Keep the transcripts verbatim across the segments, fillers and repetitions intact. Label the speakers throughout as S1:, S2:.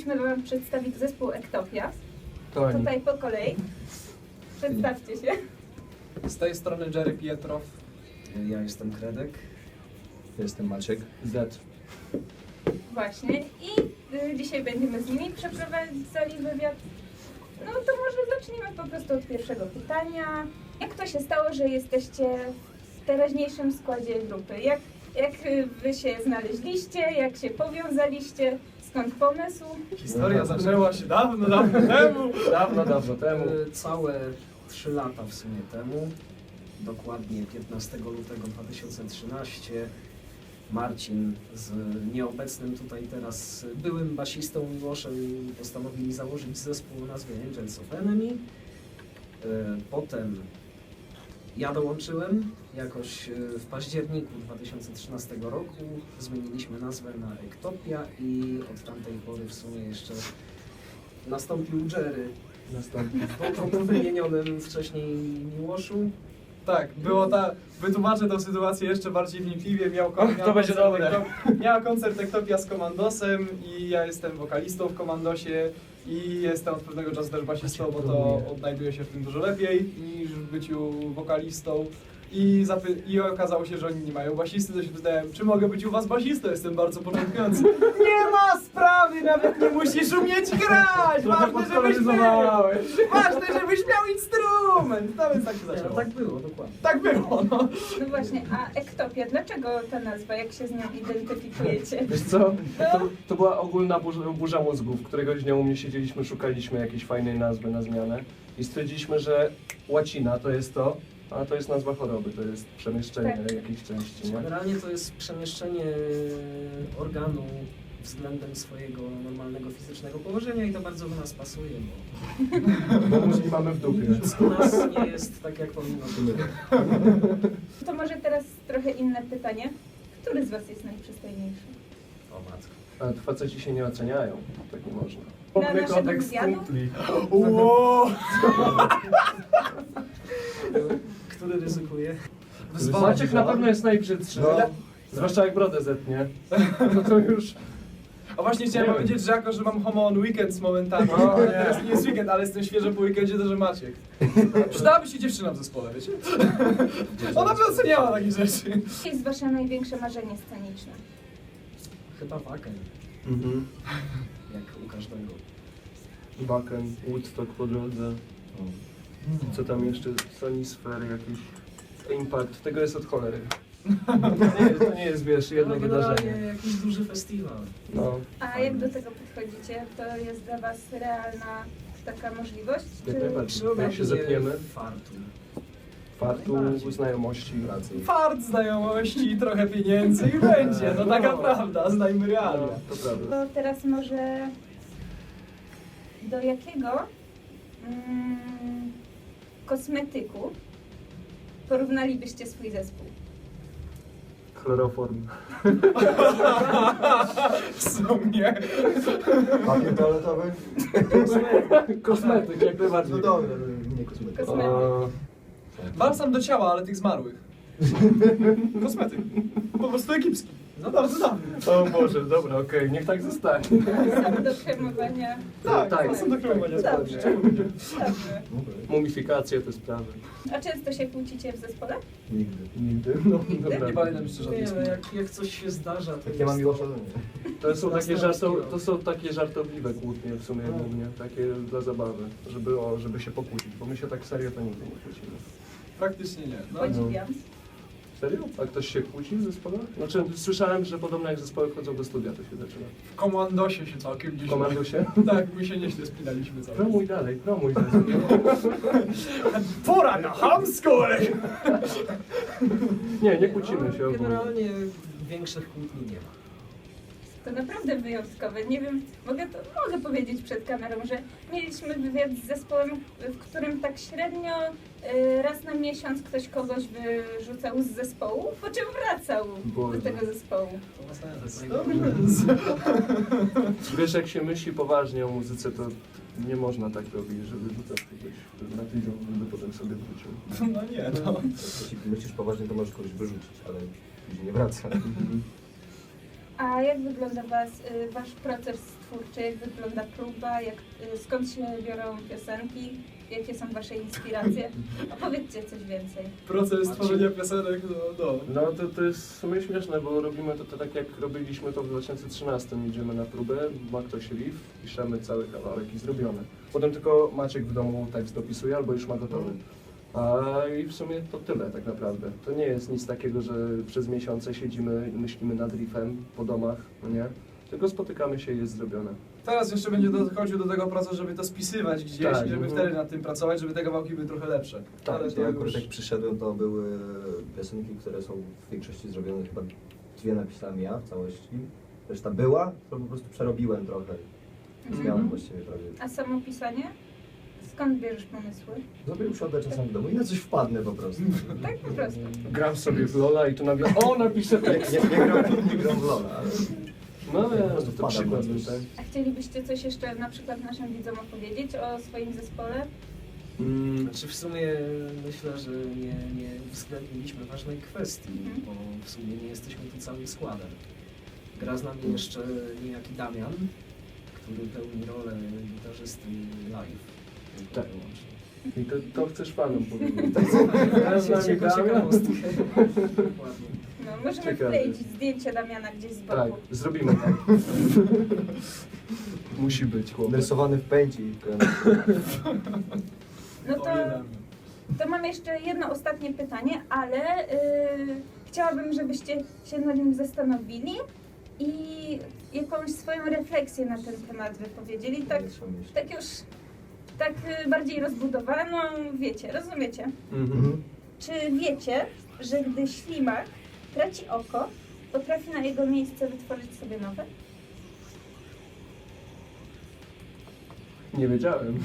S1: chcielibyśmy wam przedstawić zespół Ektopia.
S2: To oni.
S1: Tutaj po kolei. Przedstawcie się.
S3: Z tej strony Jerry Pietrow.
S4: Ja jestem Kredek.
S2: Jestem Maciek. Z.
S1: Właśnie. I y, dzisiaj będziemy z nimi przeprowadzali wywiad. No to może zacznijmy po prostu od pierwszego pytania. Jak to się stało, że jesteście w teraźniejszym składzie grupy? Jak, jak y, wy się znaleźliście? Jak się powiązaliście? Skąd pomysł?
S3: Historia zaczęła się dawno, dawno temu.
S2: Dawno, dawno temu.
S4: E, Całe trzy lata w sumie temu, dokładnie piętnastego lutego dwa tysiące trzynastego, Marcin z nieobecnym tutaj teraz byłym basistą Miłoszem postanowili założyć zespół o nazwie Angels of Enemy. E, Potem ja dołączyłem jakoś e, w październiku dwa tysiące trzynastego roku. Zmieniliśmy nazwę na Ektopia i od tamtej pory w sumie jeszcze nastąpił Jerry.
S2: Następny.
S4: Po wymienionym wcześniej Miłoszu.
S3: Tak, było ta... Wytłumaczę tę sytuację jeszcze bardziej wnikliwie. Miał, kon-
S2: Och, to
S3: miał
S2: będzie
S3: koncert
S2: dobre.
S3: Ektop- Miała koncert Ektopia z Komandosem i ja jestem wokalistą w Komandosie i jestem od pewnego czasu też basistą, bo to odnajduję się w tym dużo lepiej niż w byciu wokalistą. I, zapy- I okazało się, że oni nie mają basisty, to się pytałem, czy mogę być u was basistą? Jestem bardzo początkujący. Nie ma sprawy, nawet nie musisz umieć grać! Ważne, żebyś miał! Ważne, żebyś miał instrument! No więc tak się
S4: No,
S3: zaczęło.
S4: tak było, dokładnie.
S3: Tak było, no.
S1: No właśnie, a Ektopia, dlaczego ta nazwa? Jak się z nią identyfikujecie?
S2: Wiesz co? To, to była ogólna burza, burza mózgów. Któregoś dnia u mnie siedzieliśmy, szukaliśmy jakiejś fajnej nazwy na zmianę i stwierdziliśmy, że łacina to jest to, a to jest nazwa choroby, to jest przemieszczenie
S1: Tak.
S2: jakiejś części, nie?
S4: Generalnie to jest przemieszczenie organu względem swojego normalnego fizycznego położenia i to bardzo do nas pasuje, bo
S2: Bo mózgi mamy w dupie.
S4: nic u nas nie jest tak, jak powinno być.
S1: To może teraz trochę inne pytanie. Który z was jest najprzystojniejszy?
S4: O matko.
S2: Ale faceci się nie oceniają, tak nie można.
S1: Na
S2: Mamy
S1: naszego
S2: kodeks
S1: wywiadu?
S2: kumpli.
S3: Wow.
S4: Który ryzykuje?
S2: Maciek na pewno jest najbrzydszy.
S3: No.
S2: Zwłaszcza jak brodę zetnie. No to już...
S3: A właśnie chciałem
S2: Nie
S3: powiedzieć, że jako, że mam homo on weekend z momentami,
S2: O, nie.
S3: teraz nie jest weekend, ale jestem świeżo po weekendzie, to że Maciek. Przydałaby się dziewczyna w zespole, wiecie? Ona by oceniała takie rzeczy.
S1: Jakie jest wasze największe marzenie sceniczne?
S4: Chyba waken,
S2: Mhm.
S4: jak u każdego.
S2: Baken, Woodstock po drodze. Co tam jeszcze? Sonisphere jakiś. Impact. Tego jest od cholery. To nie, to nie jest, wiesz, jedno
S4: No, generalnie
S2: wydarzenie.
S4: jakiś duży festiwal.
S2: No.
S1: A jak do tego podchodzicie? To jest dla was realna taka możliwość?
S2: Jak
S1: Czy...
S2: najbardziej. Jak się zepniemy,
S4: Fartu.
S2: fartu,
S4: najbardziej.
S2: znajomości.
S3: Fart, znajomości, trochę pieniędzy i będzie. No taka prawda, znajmy realia.
S2: To prawda.
S1: To teraz może do jakiego mm, kosmetyku porównalibyście swój zespół?
S2: Chloroform.
S3: W sumie.
S5: Papier toaletowy?
S2: Kosmetyk, jak najbardziej.
S5: No dobra, nie kosmetyk.
S1: Kosmetyk.
S2: O,
S3: Balsam do ciała, ale tych zmarłych. Kosmetyk. Po prostu egipski. No bardzo dobry.
S2: o Boże, dobra, okej, niech tak zostanie.
S1: Sam do kremowania.
S3: Tak,
S2: Tak.
S3: to są do kremowania
S1: Dobrze.
S3: spodnie.
S1: Dobrze.
S2: Mumifikacje, te sprawy.
S1: A często się kłócicie w zespole?
S5: Nigdy.
S2: Nigdy. No,
S1: Nigdy?
S2: dobra.
S3: Nie pamiętam jeszcze
S4: Nie,
S3: żadnej
S4: no,
S3: skóry.
S4: jak, jak coś się zdarza, to
S5: Jak ja mam
S4: jest
S5: Miłosza, to nie.
S2: To są, takie
S4: Następski
S2: żarto,
S4: rok.
S2: to są takie żartobliwe kłótnie w sumie głównie, takie dla zabawy, żeby, o, żeby się pokłócić, bo my się tak serio to nigdy nie kłócimy.
S3: Praktycznie nie. No,
S1: Podziwiam.
S2: Serio? A ktoś się kłóci w zespole? Znaczy słyszałem, że podobno jak zespoły wchodzą do studia, to się zaczyna.
S3: w komandosie się całkiem
S2: W
S3: gdzieś...
S2: komandosie?
S3: Tak, my się nieźle spinaliśmy cały czas.
S2: Promuj dalej, promuj zespół.
S3: Pora na hamsko!
S2: Nie, nie kłócimy się
S4: No,
S2: ogólnie.
S4: generalnie większych kłótni nie ma.
S1: To naprawdę wyjątkowe. Nie wiem, mogę, to, mogę powiedzieć przed kamerą, że mieliśmy wywiad z zespołem, w którym tak średnio y, raz na miesiąc ktoś kogoś wyrzucał z zespołu, po czym wracał
S2: Boże.
S1: do tego zespołu.
S4: To jest
S3: Dobrze.
S2: Wiesz, jak się myśli poważnie o muzyce, to nie można tak robić, żeby rzucać kogoś na tydzień, żeby potem sobie wrócił.
S3: No nie, no.
S5: Jeśli myślisz poważnie, to możesz kogoś wyrzucić, ale później nie wraca.
S1: A jak wygląda was, y, wasz proces twórczy? Jak wygląda próba? Jak, y, skąd się biorą piosenki? Jakie są wasze inspiracje? Opowiedzcie coś więcej.
S3: Proces tworzenia piosenek, no, no.
S2: No to, to jest w sumie śmieszne, bo robimy to, to tak jak robiliśmy to w dwa tysiące trzynastym. Idziemy na próbę, ma ktoś riff, piszemy cały kawałek i zrobione. Potem tylko Maciek w domu tekst dopisuje albo już ma gotowy. A i w sumie to tyle tak naprawdę. To nie jest nic takiego, że przez miesiące siedzimy i myślimy nad riffem po domach, no nie? Tylko spotykamy się i jest zrobione.
S3: Teraz jeszcze będzie dochodził do tego procesu, żeby to spisywać gdzieś,
S2: Tak,
S3: i żeby
S2: mhm.
S3: wtedy nad tym pracować, żeby te kawałki były trochę lepsze.
S2: Tak,
S3: Ale to
S5: Ja akurat
S3: już...
S5: jak przyszedłem, to były piosenki, które są w większości zrobione, chyba dwie napisałem ja w całości. Reszta była, to po prostu przerobiłem trochę. Zmiałem
S1: Mhm.
S5: właściwie prawie.
S1: A samo pisanie? Skąd bierzesz pomysły?
S5: Zrobię usiądę czasem w domu i na coś wpadnę po prostu.
S1: Tak po prostu.
S2: Gram sobie w Lola i tu nagle o, napiszę
S5: Nie,
S2: tekst.
S5: nie, nie, gram, nie gram w Lola, ale
S2: No
S5: po
S2: ja,
S5: prostu
S2: to
S5: wpadam
S2: przykład
S5: na
S2: był,
S5: coś.
S2: tak?
S1: A chcielibyście coś jeszcze na przykład naszym widzom opowiedzieć o swoim zespole?
S2: Mm,
S4: Znaczy w sumie myślę, że nie, nie uwzględniliśmy ważnej kwestii,
S1: Mhm.
S4: bo w sumie nie jesteśmy tu całym składem. Gra z nami jeszcze niejaki Damian, który pełni rolę gitarzysty live. Tylko
S2: Tak.
S4: wyłącznie.
S2: I to, to chcesz fanom powiedzieć.
S4: Teraz
S2: z nami
S4: jako
S2: Damian.
S4: ciekawostkę. Dokładnie.
S1: No, możemy
S2: Ciekawe.
S1: wkleić zdjęcie Damiana gdzieś z boku.
S2: Tak, zrobimy tak. Musi być chłopak.
S5: narysowany w pędzi.
S1: No to,
S3: Opowiadamy.
S1: to mam jeszcze jedno ostatnie pytanie, ale yy, chciałabym, żebyście się nad nim zastanowili i jakąś swoją refleksję na ten temat wypowiedzieli. Tak, tak już tak y, bardziej rozbudowaną, wiecie, rozumiecie?
S2: Mhm.
S1: Czy wiecie, że gdy ślimak traci oko, potrafi na jego miejsce wytworzyć sobie nowe?
S2: Nie wiedziałem.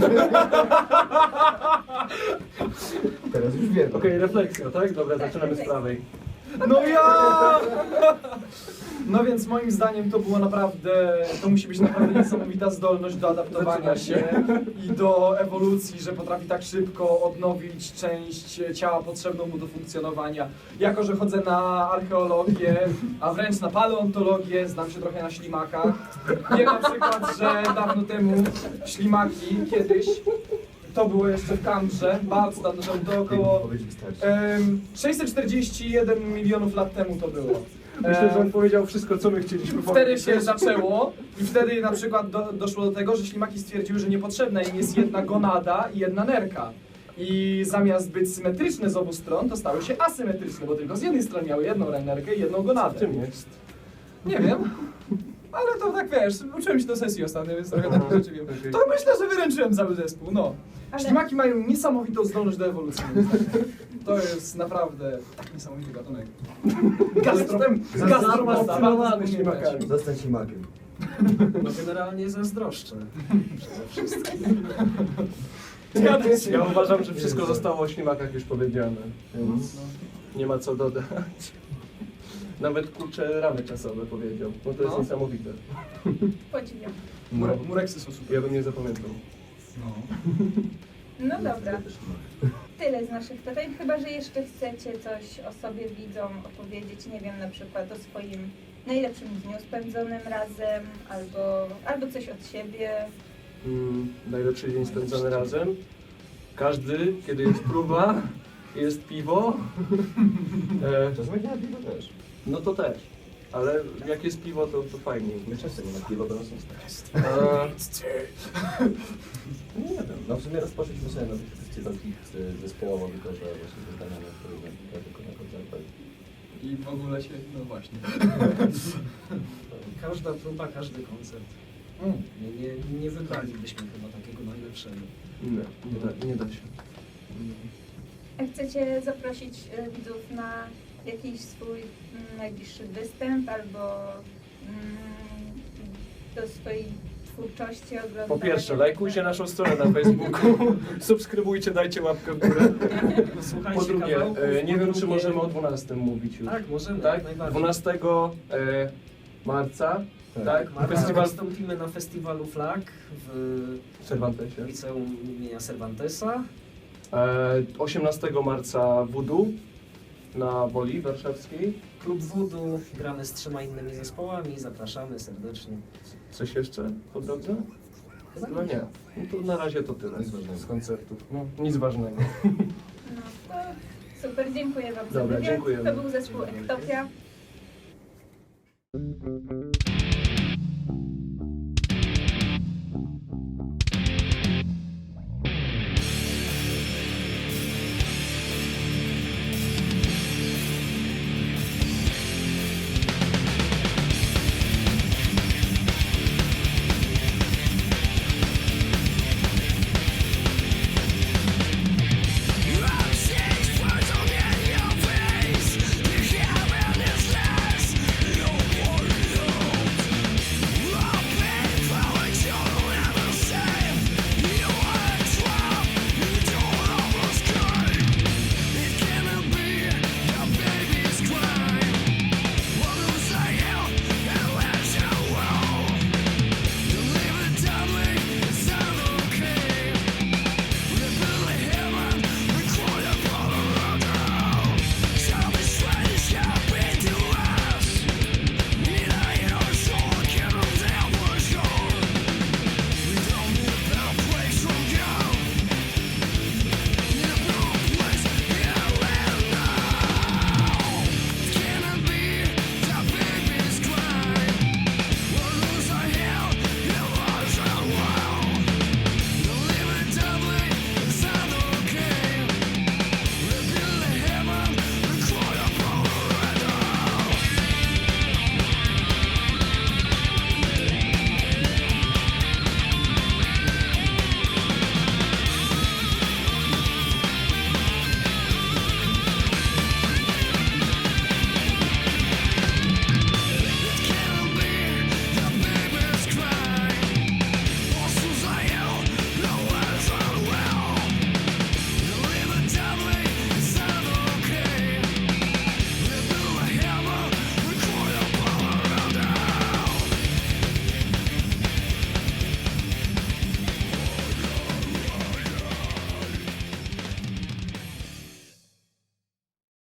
S5: Teraz już wiem.
S2: Okej, refleksja, tak? Dobra,
S1: Tak,
S2: zaczynamy z
S1: refleksja.
S2: prawej.
S3: No ja! No więc moim zdaniem to było naprawdę, to musi być naprawdę niesamowita zdolność do adaptowania się i do ewolucji, że potrafi tak szybko odnowić część ciała potrzebną mu do funkcjonowania. Jako, że chodzę na archeologię, a wręcz na paleontologię, znam się trochę na ślimakach. Wiem na przykład, że dawno temu ślimaki kiedyś, to było jeszcze w Kambrze, bardzo dawno temu, to około
S5: Powiedzieć wystarczy.
S3: em, sześćset czterdzieści jeden milionów lat temu to było.
S2: Myślę, że on
S3: Em,
S2: powiedział wszystko, co my chcieliśmy
S3: Wtedy
S2: powiedzieć.
S3: się zaczęło i wtedy na przykład do, doszło do tego, że ślimaki stwierdziły, że niepotrzebna im jest jedna gonada i jedna nerka. I zamiast być symetryczne z obu stron, to stały się asymetryczne, bo tylko z jednej strony miały jedną nerkę i jedną
S2: Co w
S3: gonadę.
S2: tym jest?
S3: Nie wiem, ale to tak wiesz, uczyłem się do sesji ostatnio, więc trochę takich rzeczy wiem.
S2: Okej.
S3: To myślę, że wyręczyłem cały zespół, no.
S1: Ale-
S3: Ślimaki mają niesamowitą zdolność do ewolucji. moim zdaniem. To jest naprawdę tak niesamowity gatunek. Gastro,
S2: Zafascynowany ślimakami.
S5: Zostań ślimakiem.
S4: No generalnie zazdroszczę przede wszystkim.
S2: Ja uważam, że wszystko zostało o ślimakach już powiedziane, więc nie ma co dodać. Nawet kurczę ramy czasowe powiedział, bo to jest
S3: No.
S2: niesamowite.
S1: Podziwiam.
S3: Mure, mureksy są super.
S2: Ja bym nie zapamiętał.
S3: No.
S1: No dobra, tyle z naszych pytań. Chyba, że jeszcze chcecie coś o sobie widzom opowiedzieć, nie wiem, na przykład o swoim najlepszym dniu spędzonym razem, albo, albo coś od siebie.
S2: Mm, najlepszy dzień spędzony razem. Każdy, kiedy jest próba, jest piwo. E,
S5: Czasem jak nie ma piwa też.
S2: no to też. Ale jak jest piwo, to, to fajniej.
S5: My często nie ma piwa, bo nas jest tak.
S2: E,
S5: Nie wiem. No w sumie rozpoczęliśmy sobie na tych festiwalach zespołowo, tylko że właśnie wyznania na które ja tylko na koncertach.
S3: I w ogóle się, no właśnie.
S4: Każda próba, każdy koncert.
S3: Mm.
S4: Nie, nie, nie wybralibyśmy chyba takiego najlepszego.
S2: nie, nie da, nie da się.
S1: A chcecie zaprosić e, widzów na jakiś swój mm, najbliższy występ, albo mm, do swojej twórczości oglądania?
S2: Po pierwsze, lajkujcie naszą stronę na Facebooku, subskrybujcie, dajcie łapkę w górę.
S4: Słuchajcie
S2: Po drugie,
S4: kawałków,
S2: e, nie
S4: po
S2: wiem, czy
S4: drugie-
S2: możemy o dwunastym mówić już.
S4: Tak, możemy,
S2: Tak?
S4: jak najbardziej.
S2: dwunastego e, marca,
S5: Tak.
S2: tak?
S4: Marta,
S2: Festiwal
S4: wystąpimy na festiwalu Flag w
S2: w Cervantesie.
S4: liceum imienia Cervantesa.
S2: E, osiemnastego marca Voodoo na Woli Warszawskiej.
S4: Klub Voodoo, gramy z trzema innymi zespołami, zapraszamy serdecznie.
S2: Coś jeszcze po drodze? Chyba nie. No to na razie to tyle
S5: Nic ważnego.
S2: z koncertów. No, nic ważnego.
S1: No to super, dziękuję wam za
S2: Dobra,
S1: wywiad.
S2: dziękujemy.
S1: To był zespół Ektopia.